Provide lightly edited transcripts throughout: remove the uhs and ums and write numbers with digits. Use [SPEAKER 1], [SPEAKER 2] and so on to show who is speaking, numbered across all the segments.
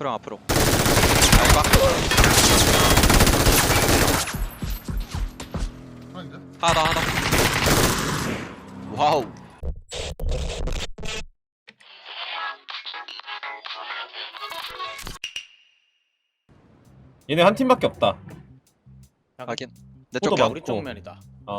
[SPEAKER 1] 프로 앞으로. 알바.
[SPEAKER 2] 아닌데?
[SPEAKER 1] 하나 더. 와우.
[SPEAKER 3] 얘네 한 팀밖에 없다.
[SPEAKER 1] 확인.
[SPEAKER 3] 포도
[SPEAKER 1] 내쪽
[SPEAKER 3] 많고.
[SPEAKER 4] 우리 쪽 면이다.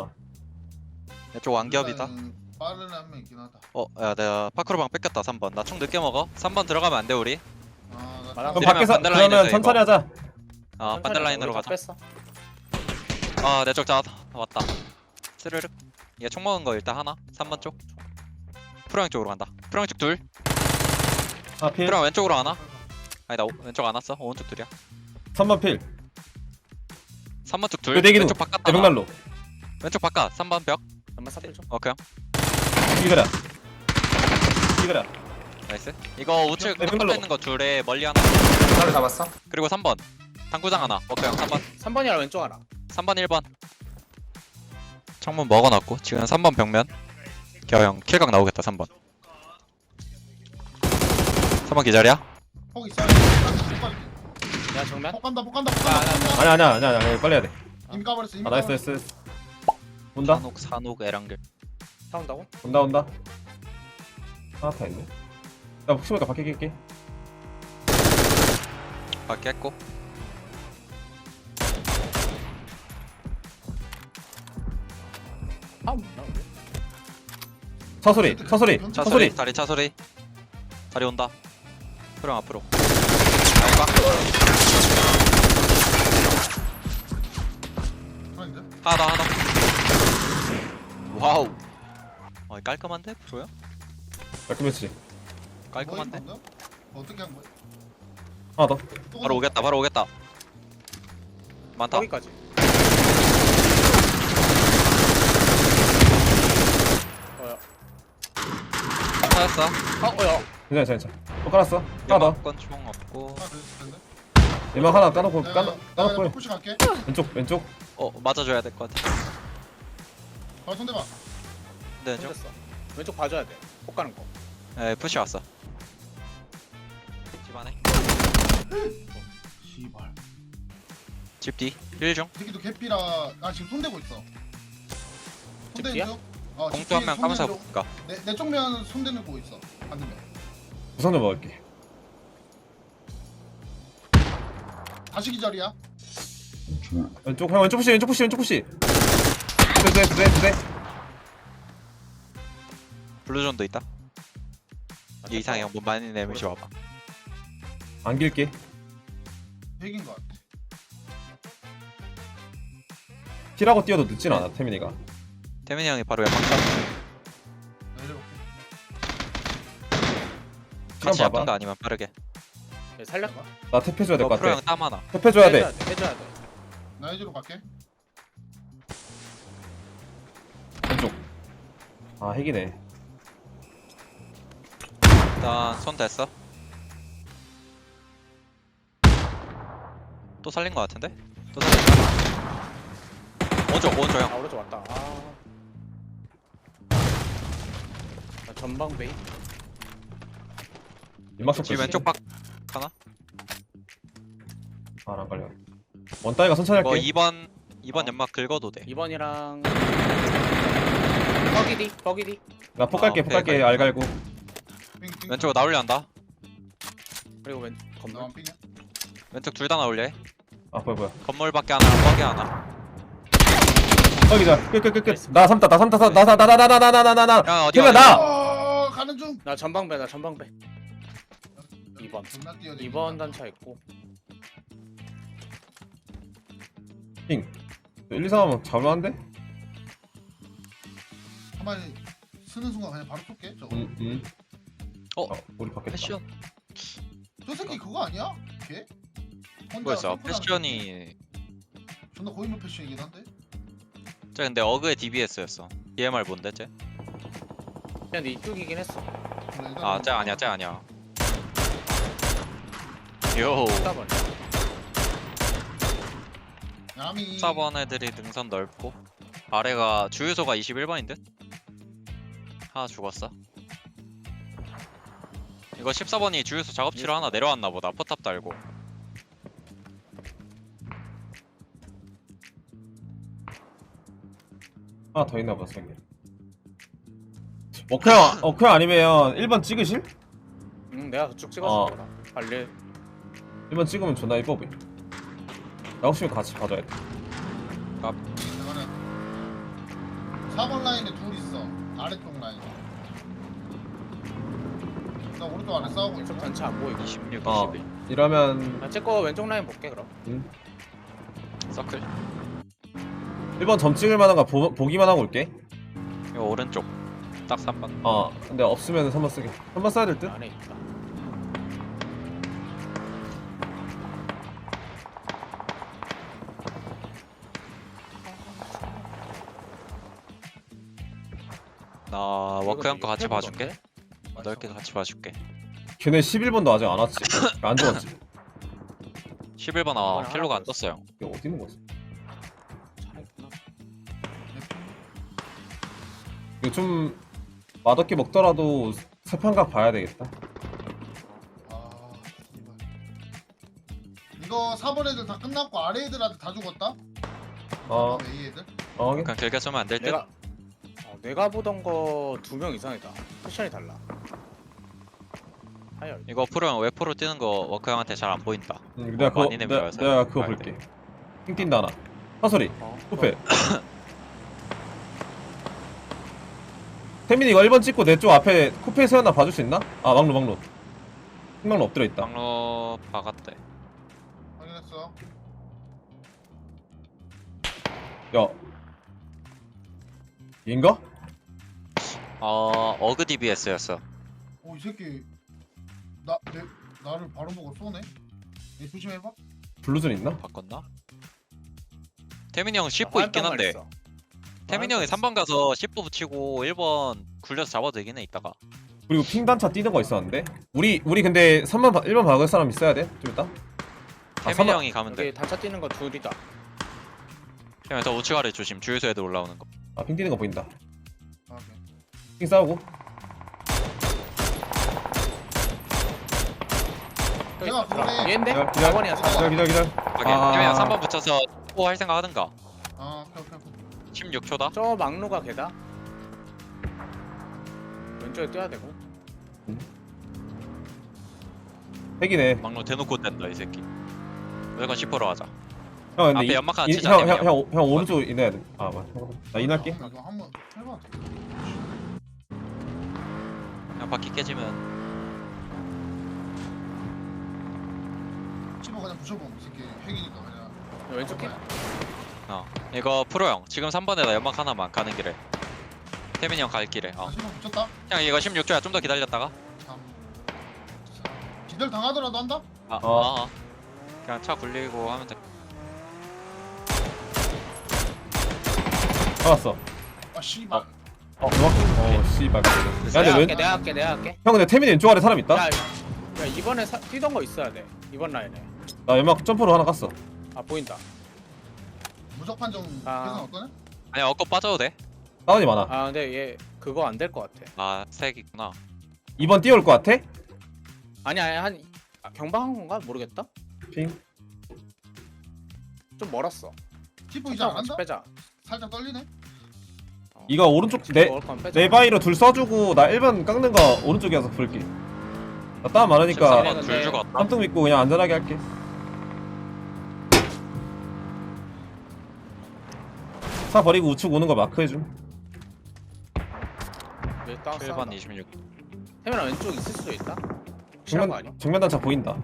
[SPEAKER 1] 내쪽 완겹이다.
[SPEAKER 2] 일단은 빠른 한명 있긴 하다.
[SPEAKER 1] 야 내가 파크로방 뺏겼다 3번. 나 총 늦게 먹어. 3번 들어가면 안 돼 우리.
[SPEAKER 2] 나
[SPEAKER 4] 마당
[SPEAKER 3] 그럼
[SPEAKER 1] 내리면
[SPEAKER 3] 밖에서
[SPEAKER 1] 반대 라인에서
[SPEAKER 3] 그러면
[SPEAKER 1] 이거.
[SPEAKER 3] 천천히 하자.
[SPEAKER 1] 반대 라인으로 가자.
[SPEAKER 4] 뺐어.
[SPEAKER 1] 내쪽 잡 왔다. 스르륵. 얘 총 먹은 거 일단 하나. 3번 쪽. 프로형 쪽으로 간다. 프로형 쪽 둘.
[SPEAKER 3] 필.
[SPEAKER 1] 프로형 왼쪽으로 하나. 아니 나 왼쪽 안 왔어. 오른쪽 둘이야.
[SPEAKER 3] 3번 필.
[SPEAKER 1] 3번 쪽 둘.
[SPEAKER 3] 내기는
[SPEAKER 1] 왼쪽 바깥.
[SPEAKER 3] 대벽난로.
[SPEAKER 1] 왼쪽 바깥. 3번 벽.
[SPEAKER 4] 잠만 사필 좀.
[SPEAKER 1] 오케이.
[SPEAKER 3] 이거라. 이거라.
[SPEAKER 1] 나이스. 이거 우측
[SPEAKER 3] 네,
[SPEAKER 1] 바깥에
[SPEAKER 3] 왼발로.
[SPEAKER 1] 있는 거 둘에 멀리 하나.
[SPEAKER 5] 하나를 잡았어?
[SPEAKER 1] 그리고 3번. 당구장 하나. 오케이 형 3번.
[SPEAKER 4] 3번이랑 왼쪽 하나.
[SPEAKER 1] 3번 1번. 창문 먹어놨고 지금 3번 벽면. 겨형 킬각 나오겠다 3번. 3번 기다려.
[SPEAKER 2] 폭 있어.
[SPEAKER 4] 야 정면.
[SPEAKER 2] 폭 간다. 폭 간다.
[SPEAKER 3] 아니야. 빨리 해야 돼.
[SPEAKER 2] 이미 까버렸어. 이미
[SPEAKER 3] 나이스
[SPEAKER 2] 까버렸어.
[SPEAKER 3] 나이스. 온다.
[SPEAKER 1] 산옥 에랑길.
[SPEAKER 4] 사온다고?
[SPEAKER 3] 온다. 하나 다 있네. 나 혹시 모르니까 밖에 낄게.
[SPEAKER 1] 밖에 했고.
[SPEAKER 4] 사온다.
[SPEAKER 3] 차소리.
[SPEAKER 1] 차소리. 다리 차소리. 다리 온다. 프로 앞으로. 알바.
[SPEAKER 2] 아닌데?
[SPEAKER 1] 하나. 와우. 깔끔한데? 프로야?
[SPEAKER 3] 깔끔했지.
[SPEAKER 1] 깔끔한데?
[SPEAKER 2] 뭐 어떻게 한 거야?
[SPEAKER 3] 하나 더.
[SPEAKER 2] 또
[SPEAKER 1] 바로 오겠다. 많다.
[SPEAKER 4] 거기까지. 어야.
[SPEAKER 1] 찾았어.
[SPEAKER 4] 어야.
[SPEAKER 3] 괜찮아. 또 깔았어. 하나 더.
[SPEAKER 1] 연막권 총 없고.
[SPEAKER 2] 하나 더 있을 텐데.
[SPEAKER 3] 얘만 하나 까놓고
[SPEAKER 2] 내가
[SPEAKER 3] 까놓고 해.
[SPEAKER 2] 푸시 갈게.
[SPEAKER 3] 왼쪽.
[SPEAKER 1] 맞아줘야 될 것 같아.
[SPEAKER 2] 바로 손대봐.
[SPEAKER 1] 네, 좀.
[SPEAKER 4] 됐어. 왼쪽 봐줘야 돼. 폭 가는 거.
[SPEAKER 1] 푸시 왔어. 집 안에.
[SPEAKER 2] 씨발.
[SPEAKER 1] 집 뒤. 1중.
[SPEAKER 2] 이 새끼도 개피라. 나 지금 손대고 있어. 손대는
[SPEAKER 4] 뒤야?
[SPEAKER 2] 중.
[SPEAKER 1] 공투 한 명 까면서 볼까?
[SPEAKER 2] 내 쪽면 손대는 거 있어. 반대면.
[SPEAKER 3] 우선 좀 먹을게.
[SPEAKER 2] 다시 기절이야.
[SPEAKER 3] 왼쪽 푸시. 네.
[SPEAKER 1] 블루존도 있다. 이 이상형 뭐 많이 내미시 와봐.
[SPEAKER 3] 안 길게.
[SPEAKER 2] 핵인 거 같아.
[SPEAKER 3] 킬하고 뛰어도 늦진 않아 태민이가.
[SPEAKER 1] 태민이 형이 바로 연막 쳐.
[SPEAKER 2] 내려볼게.
[SPEAKER 1] 같이
[SPEAKER 3] 봐봐.
[SPEAKER 1] 잡던가 아니면 빠르게.
[SPEAKER 4] 얘 살렸다.
[SPEAKER 3] 나 탭해줘야 될
[SPEAKER 1] 너
[SPEAKER 3] 것
[SPEAKER 1] 프로
[SPEAKER 3] 같아.
[SPEAKER 1] 형 땀 하나.
[SPEAKER 3] 탭해줘야 돼.
[SPEAKER 4] 해줘야 돼.
[SPEAKER 2] 나 해주러 갈게.
[SPEAKER 3] 왼쪽. 핵이네.
[SPEAKER 1] 일단 손 됐어. 또 살린 거 같은데? 또 살린다. 오른쪽 형.
[SPEAKER 4] 오른쪽 왔다. 나 전방 베이.
[SPEAKER 3] 연막석
[SPEAKER 1] 집 왼쪽 박 하나?
[SPEAKER 3] 안 걸려. 원따이가 천천히
[SPEAKER 1] 이거
[SPEAKER 3] 할게.
[SPEAKER 1] 2번 연막 긁어도 돼.
[SPEAKER 4] 2번이랑 버기디.
[SPEAKER 3] 나 폭 갈게.
[SPEAKER 1] 오케이.
[SPEAKER 3] 알 갈고.
[SPEAKER 2] 빙.
[SPEAKER 1] 왼쪽으로 나올려 한다.
[SPEAKER 4] 그리고 왼 건물.
[SPEAKER 2] 나만 빙이야.
[SPEAKER 1] 왼쪽 둘 다 나올려 해.
[SPEAKER 3] 뭐야.
[SPEAKER 1] 건물 밖에 하나, 뻑에 하나.
[SPEAKER 3] 여기다. 끝. 나 삼다. 나.
[SPEAKER 1] 야, 어디
[SPEAKER 3] 태민아
[SPEAKER 1] 가냐?
[SPEAKER 3] 나.
[SPEAKER 2] 가는 중.
[SPEAKER 4] 나 전방배. 2번.
[SPEAKER 2] 존나 뛰어.
[SPEAKER 4] 2번 단차 있고.
[SPEAKER 3] 핑. 1, 2, 3 하면 잡을만한데?
[SPEAKER 2] 가만히 쓰는 순간 그냥 바로 쏠게. 저거.
[SPEAKER 3] 우리 바뀌었다.
[SPEAKER 1] 패션.
[SPEAKER 2] 저 새끼 그거 아니야? 걔? 혼자
[SPEAKER 1] 뭐였어?
[SPEAKER 2] 선풀하는
[SPEAKER 1] 패션이.
[SPEAKER 2] 존나 고인물 패션이긴 한데.
[SPEAKER 1] 쟤 근데 어그의 DBS였어. DMR 뭔데 쟤?
[SPEAKER 4] 그냥 이쪽이긴 했어.
[SPEAKER 1] 쟤 아니야. 요.
[SPEAKER 4] 4번.
[SPEAKER 2] 야미.
[SPEAKER 1] 4번 애들이 능선 넓고 아래가 주유소가 21번인 듯? 하나 죽었어. 이거 14번이 주유소 작업실로 하나 내려왔나 보다. 포탑 달고.
[SPEAKER 3] 하나 더 있나 보다 생겨. 워크형 아니면 1번 찍으실?
[SPEAKER 4] 응 내가 그쪽 찍어줄
[SPEAKER 3] 어.
[SPEAKER 4] 거다. 빨리.
[SPEAKER 3] 1번 찍으면 존나 이뻐 보여. 나 혹시 같이 봐줘야 돼.
[SPEAKER 2] 이거는 4번 라인에 둘 있어. 아래쪽 라인. 나 오른쪽 안에 싸우고 있어.
[SPEAKER 4] 왼쪽 단차 안 보이고.
[SPEAKER 1] 26,
[SPEAKER 3] 어
[SPEAKER 1] 21.
[SPEAKER 3] 이러면
[SPEAKER 4] 제거 왼쪽 라인 볼게 그럼.
[SPEAKER 1] 서클.
[SPEAKER 3] 1번 점 찍을 만한 거 보기만 하고 올게.
[SPEAKER 1] 이거 오른쪽. 딱 3번.
[SPEAKER 3] 근데 없으면 3번 쓰게. 3번 써야 될 듯?
[SPEAKER 4] 안에 있다.
[SPEAKER 1] 나 워크형 거 같이
[SPEAKER 4] 이거
[SPEAKER 1] 봐줄게. 넓게 같이 봐줄게.
[SPEAKER 3] 걔네 11번도 아직 안 왔지. 안 죽었지.
[SPEAKER 1] 11번
[SPEAKER 4] 이번에
[SPEAKER 1] 킬로가
[SPEAKER 4] 하나
[SPEAKER 1] 안 떴어요.
[SPEAKER 3] 이게 어디 있는 거지?
[SPEAKER 4] 차 있구나.
[SPEAKER 3] 이거 좀 맛없게 먹더라도 세판각 봐야 되겠다.
[SPEAKER 2] 아, 이거 4번 애들 다 끝났고 아래 애들한테 다 죽었다?
[SPEAKER 3] 어,
[SPEAKER 2] A 애들?
[SPEAKER 3] 확인.
[SPEAKER 1] 그냥 길게 쏘면 안 될 듯.
[SPEAKER 4] 내가 보던 거 2명 이상이다. 패션이 달라. 하열.
[SPEAKER 1] 이거 프로형 웨포로 뛰는 거 워크형한테 잘 안 보인다.
[SPEAKER 3] 내가 그거
[SPEAKER 1] 많이 내밀어서.
[SPEAKER 3] 내가 그거 볼게. 핑 뛴다 하나. 사소리. 쿠페. 태민이 이거 1번 찍고 내 쪽 앞에 쿠페 세웠나 봐줄 수 있나? 아 막로. 막로 엎드려 있다.
[SPEAKER 1] 막로 박았대.
[SPEAKER 2] 확인했어.
[SPEAKER 3] 야. 인가?
[SPEAKER 1] 어그 DBS였어.
[SPEAKER 2] 오, 이 새끼 나를 바로 보고 쏘네? 얘 조심해봐.
[SPEAKER 3] 블루존 있나?
[SPEAKER 1] 바꿨나? 태민이 형 10보 있긴 한데 태민이 형이 3번 가서 10보 붙이고 1번 굴려서 잡아도 되긴 해 이따가.
[SPEAKER 3] 그리고 핑 단차 뛰는 거 있었는데. 우리 근데 1번 박을 사람 있어야 돼. 좀 이따.
[SPEAKER 1] 태민이 형이 가면 돼.
[SPEAKER 4] 여기 단차 뛰는 거 둘이다.
[SPEAKER 1] 태민이 저 우측 아래 조심. 주유소 애들 올라오는 거.
[SPEAKER 3] 핑 뛰는 거 보인다.
[SPEAKER 2] 아, 오케이.
[SPEAKER 3] 핑 싸우고.
[SPEAKER 2] 내가 그래.
[SPEAKER 4] 얘인데?
[SPEAKER 3] 기다려,
[SPEAKER 4] 4번이야 4번.
[SPEAKER 3] 기다려.
[SPEAKER 1] 확인.
[SPEAKER 3] 아.
[SPEAKER 1] 태민이 형 3번 붙여서 10보 할 생각 하든가.
[SPEAKER 2] 아, 오케이.
[SPEAKER 1] 16초다.
[SPEAKER 4] 저 막루가 걔다. 왼쪽에 뛰어야 되고.
[SPEAKER 3] 핵이네.
[SPEAKER 1] 막로 대놓고 뗀다 이 새끼. 무조건 10%로 하자.
[SPEAKER 3] 형 근데
[SPEAKER 1] 앞에 연막 하나 치자, 태민이
[SPEAKER 3] 형 오른쪽 인해야 돼. 아 맞아. 나 인할게.
[SPEAKER 2] 이거 한번 해봐.
[SPEAKER 1] 그냥 바퀴 깨지면
[SPEAKER 2] 집어 그냥 부셔봐. 이 새끼 핵이니까 그냥.
[SPEAKER 4] 왼쪽 길?
[SPEAKER 1] 이거 프로 형 지금 3번에다 연막 하나만 가는 길에 태민이 형 갈 길에
[SPEAKER 2] 아, 집어 붙였다.
[SPEAKER 1] 형 이거 16초야 좀 더 기다렸다가
[SPEAKER 2] 3, 4. 기절 당하더라도 한다?
[SPEAKER 1] 그냥 차 굴리고 하면 돼.
[SPEAKER 3] 잡았어.
[SPEAKER 2] 아, 씨발.
[SPEAKER 3] 누가? 씨발. 야 근데
[SPEAKER 4] 내가
[SPEAKER 3] 왼.
[SPEAKER 4] 할게 내가 할게.
[SPEAKER 3] 형 근데 태민이 왼쪽 아래 사람 있다.
[SPEAKER 4] 야 이번에 뛰던 거 있어야 돼. 이번 라인에.
[SPEAKER 3] 나 연막 점프로 하나 깠어.
[SPEAKER 4] 아 보인다.
[SPEAKER 2] 무적 판정
[SPEAKER 4] 아.
[SPEAKER 2] 계산 어떠네?
[SPEAKER 1] 아니 엇거 빠져도 돼?
[SPEAKER 3] 다운이 많아.
[SPEAKER 4] 아 근데 얘 그거 안 될 것 같아.
[SPEAKER 1] 색 있구나.
[SPEAKER 3] 2번 뛰어올 것 같아?
[SPEAKER 4] 아니 한 경방한 건가 모르겠다.
[SPEAKER 3] 핑.
[SPEAKER 4] 좀 멀었어.
[SPEAKER 2] 키프 이제 안
[SPEAKER 4] 같이
[SPEAKER 2] 한다?
[SPEAKER 4] 빼자.
[SPEAKER 2] 살짝 떨리네?
[SPEAKER 3] 이거 오른쪽 내 바위로 둘 써주고 나 1번 깎는 거 오른쪽에 와서 볼게. 나 땀 많으니까
[SPEAKER 1] 14번 둘 주고 왔다.
[SPEAKER 3] 삼등 믿고 그냥 안전하게 할게. 차 버리고 우측 오는 거 마크해줌.
[SPEAKER 1] 7번 26.
[SPEAKER 4] 태민아 왼쪽 있을 수도 있다. 확실한 거 아니야?
[SPEAKER 3] 정면 단차 보인다.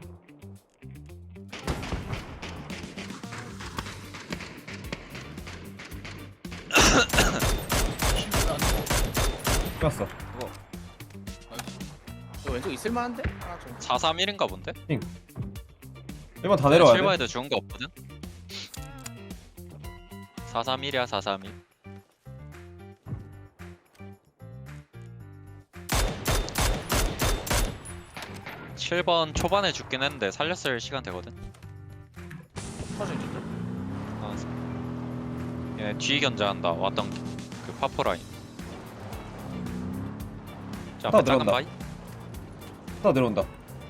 [SPEAKER 2] 씨발, 안 죽어.
[SPEAKER 3] 끝났어.
[SPEAKER 4] 이거 왼쪽 있을 만한데? 하나 좀.
[SPEAKER 1] 431인가 본데?
[SPEAKER 3] 1번 다 내려와야 돼.
[SPEAKER 1] 7번에도 좋은 거 없거든? 431이야 431. 칠번 초반에 죽긴 했는데 살렸을 시간 되거든.
[SPEAKER 4] 터진지.
[SPEAKER 1] 얘 뒤 견제한다. 왔던 그 파포 라인. 자,
[SPEAKER 3] 다
[SPEAKER 1] 앞에 작은
[SPEAKER 3] 들어간다.
[SPEAKER 1] 바위.
[SPEAKER 3] 또 내려온다.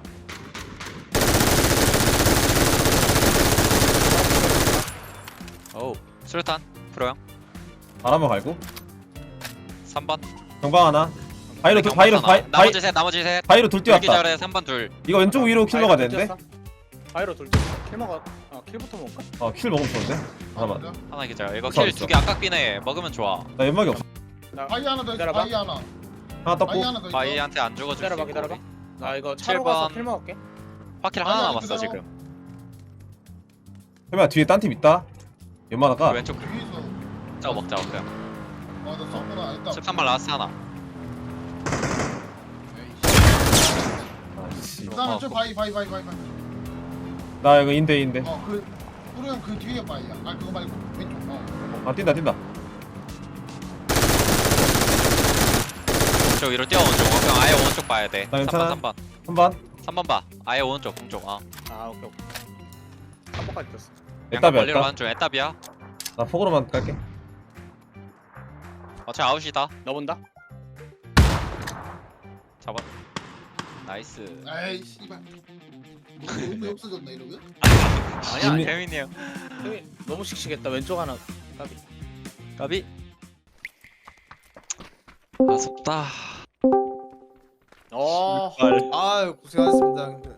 [SPEAKER 1] 어우 수류탄 프로형
[SPEAKER 3] 바람만 갈고.
[SPEAKER 1] 3번
[SPEAKER 3] 경방 하나. 바이로 둘, 바이로
[SPEAKER 1] 나머지 셋 나머지 셋
[SPEAKER 3] 바이로 둘 뛰었다.
[SPEAKER 1] 기절에 3번 둘
[SPEAKER 3] 이거 왼쪽 위로 킬 먹어야 되는데.
[SPEAKER 4] 바이로 돌 뛰었어. 킬 먹어. 킬부터 먹을까?
[SPEAKER 3] 킬 먹으면 좋은데. 하나만.
[SPEAKER 1] 하나 기절 이거
[SPEAKER 3] 있어,
[SPEAKER 1] 킬
[SPEAKER 3] 있어.
[SPEAKER 1] 2개 아깝긴 해 먹으면 좋아
[SPEAKER 3] 나 연막이 없어.
[SPEAKER 2] 바위 하나 더 있어.
[SPEAKER 4] 기다려봐.
[SPEAKER 2] 바위 하나.
[SPEAKER 3] 하나 떴고.
[SPEAKER 2] 바위 하나 더 있어.
[SPEAKER 1] 바이한테 안 죽어줄 수
[SPEAKER 4] 기다려봐
[SPEAKER 1] 있고
[SPEAKER 4] 기다려봐.
[SPEAKER 1] 우리.
[SPEAKER 4] 나 이거 차로 가서
[SPEAKER 1] 7번.
[SPEAKER 4] 킬 먹을게.
[SPEAKER 1] 파킬
[SPEAKER 2] 아니,
[SPEAKER 1] 하나
[SPEAKER 2] 아니,
[SPEAKER 1] 남았어
[SPEAKER 2] 그대로.
[SPEAKER 1] 지금
[SPEAKER 3] 해봐 뒤에 딴 팀 있다. 연막아가.
[SPEAKER 1] 그 왼쪽
[SPEAKER 2] 위에서.
[SPEAKER 1] 저거 먹자 그냥
[SPEAKER 2] 나 썼구나. 일단.
[SPEAKER 1] 13번 라스트 하나
[SPEAKER 3] 아씨.
[SPEAKER 2] 일단은 저
[SPEAKER 1] 어,
[SPEAKER 2] 바위.
[SPEAKER 3] 나 이거 인데.
[SPEAKER 2] 그 우리는 그 뒤에 바위야. 아 그거 말고 왼쪽.
[SPEAKER 3] 아 뛴다.
[SPEAKER 1] 오른쪽 위로 뛰어 오른쪽 그냥 아예 오른쪽 봐야 돼
[SPEAKER 3] 나 괜찮아.
[SPEAKER 1] 3번
[SPEAKER 3] 3번.
[SPEAKER 1] 3번 봐 아예 오른쪽 공쪽
[SPEAKER 4] 오케이. 한 번까지 뛰었어.
[SPEAKER 1] 양각
[SPEAKER 3] 에따비야,
[SPEAKER 1] 벌리러
[SPEAKER 3] 에따.
[SPEAKER 1] 가는 중 에따비야
[SPEAKER 3] 나 폭으로만 갈게.
[SPEAKER 1] 어차피 아웃이다
[SPEAKER 4] 너 본다.
[SPEAKER 1] 잡아 나이스
[SPEAKER 2] 에이 씨발. 너무 없어졌나 이러면?
[SPEAKER 1] 아니야
[SPEAKER 3] 이미-
[SPEAKER 1] 태민이 형
[SPEAKER 4] 형이 너무 씩씩했다. 왼쪽 하나. 까비.
[SPEAKER 1] 까비 아쉽다
[SPEAKER 5] 아 고생하셨습니다 형들.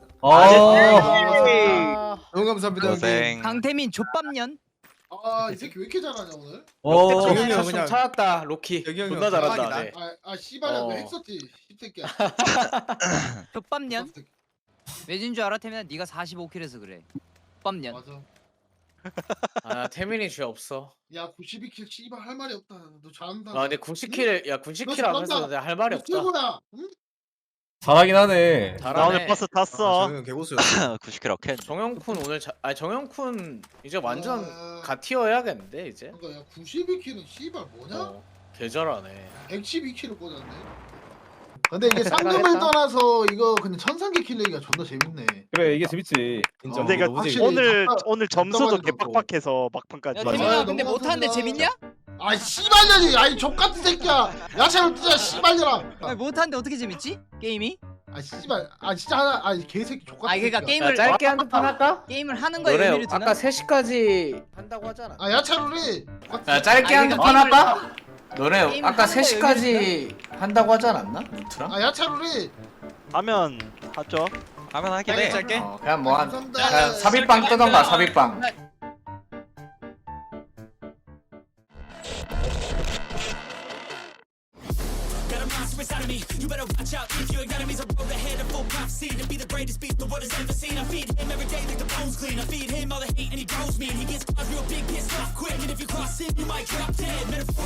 [SPEAKER 3] 아.
[SPEAKER 5] 너무 감사합니다 형님.
[SPEAKER 1] 고생
[SPEAKER 6] 강태민 족밥년.
[SPEAKER 2] 아이 새끼 왜 이렇게 잘하냐 오늘?
[SPEAKER 3] 어.
[SPEAKER 5] 정현이 형
[SPEAKER 4] 좀
[SPEAKER 5] 그냥-
[SPEAKER 4] 찾았다. 로키.
[SPEAKER 5] 여기 형이
[SPEAKER 4] 존나
[SPEAKER 5] 형
[SPEAKER 4] 잘한다.
[SPEAKER 5] 대박이다.
[SPEAKER 4] 네.
[SPEAKER 2] 씨발야
[SPEAKER 4] 어.
[SPEAKER 2] 너 핵썼지 씹새끼야.
[SPEAKER 6] 족밥년. 왜진 줄 알아 태민아? 네가 45킬해서 그래. 족밥년.
[SPEAKER 2] 맞아.
[SPEAKER 4] 태민이 죄 없어.
[SPEAKER 2] 야 92킬 씨발 할 말이 없다. 너 잘한다.
[SPEAKER 4] 근데 90킬
[SPEAKER 2] 너
[SPEAKER 4] 90킬
[SPEAKER 2] 잘한다.
[SPEAKER 4] 하면서 내가 할 말이
[SPEAKER 2] 너
[SPEAKER 4] 없다.
[SPEAKER 2] 최고다. 응?
[SPEAKER 3] 잘하긴 하네.
[SPEAKER 4] 잘하네.
[SPEAKER 5] 탔어. 형 개고수였어.
[SPEAKER 1] 90킬 어켄
[SPEAKER 4] 정영쿤 오늘 정영쿤 이제 완전
[SPEAKER 2] 아,
[SPEAKER 4] 가티어 해야겠는데 이제.
[SPEAKER 2] 그러니까 야 92킬은 씨발 뭐냐?
[SPEAKER 4] 개 잘하네.
[SPEAKER 2] 112킬을 꽂았네. 근데 이게 상금을 떠나서 이거 근데 천상계 킬 내기가 존나 재밌네.
[SPEAKER 3] 그래 이게 재밌지.
[SPEAKER 5] 인정.
[SPEAKER 2] 근데
[SPEAKER 5] 너무
[SPEAKER 2] 확실히
[SPEAKER 5] 재밌어.
[SPEAKER 2] 오늘
[SPEAKER 7] 점수도
[SPEAKER 2] 답답하지도 않고.
[SPEAKER 7] 개빡빡해서 막판까지.
[SPEAKER 6] 야
[SPEAKER 2] 맞아.
[SPEAKER 6] 태민아 근데
[SPEAKER 2] 너무
[SPEAKER 6] 못하는데
[SPEAKER 2] 감사합니다.
[SPEAKER 6] 재밌냐?
[SPEAKER 2] 아이 씨발년이 아이 족같은 새끼야. 야채를 뜨자 씨발년아.
[SPEAKER 6] 아니, 못하는데 어떻게 재밌지? 게임이?
[SPEAKER 2] 아 씨발 아 진짜 하나 아 개새끼 족같은
[SPEAKER 6] 아 그러니까
[SPEAKER 2] 새끼야.
[SPEAKER 6] 게임을
[SPEAKER 4] 짧게 한 판 할까?
[SPEAKER 6] 게임을 하는 거에
[SPEAKER 4] 너네
[SPEAKER 6] 의미를 두나?
[SPEAKER 4] 아까 3시까지 한다고 하잖아.
[SPEAKER 2] 아 야채룰이
[SPEAKER 4] 야 짧게
[SPEAKER 6] 아니,
[SPEAKER 4] 한
[SPEAKER 6] 그러니까
[SPEAKER 4] 판
[SPEAKER 6] 게임을-
[SPEAKER 4] 할까? 너네
[SPEAKER 6] 게임을
[SPEAKER 4] 아까
[SPEAKER 6] 하는 거에
[SPEAKER 4] 3시까지 한다고 하지 않았나? 루트랑?
[SPEAKER 2] 아 야채룰이
[SPEAKER 7] 하면 하죠.
[SPEAKER 1] 하면 하긴 해
[SPEAKER 5] 짧게.
[SPEAKER 4] 그냥 뭐 한
[SPEAKER 2] 감사합니다.
[SPEAKER 4] 그냥 삽입빵 뜨던가 삽입빵.
[SPEAKER 8] Got a monster inside of me. You better watch out if your enemy's a road ahead of full prophecy to be the greatest beast the world has ever seen. I feed him every day like the bones clean. I feed him all the hate and he grows me. And he gets real big, pissed off quick. And if you cross him, you might drop dead. Metaphor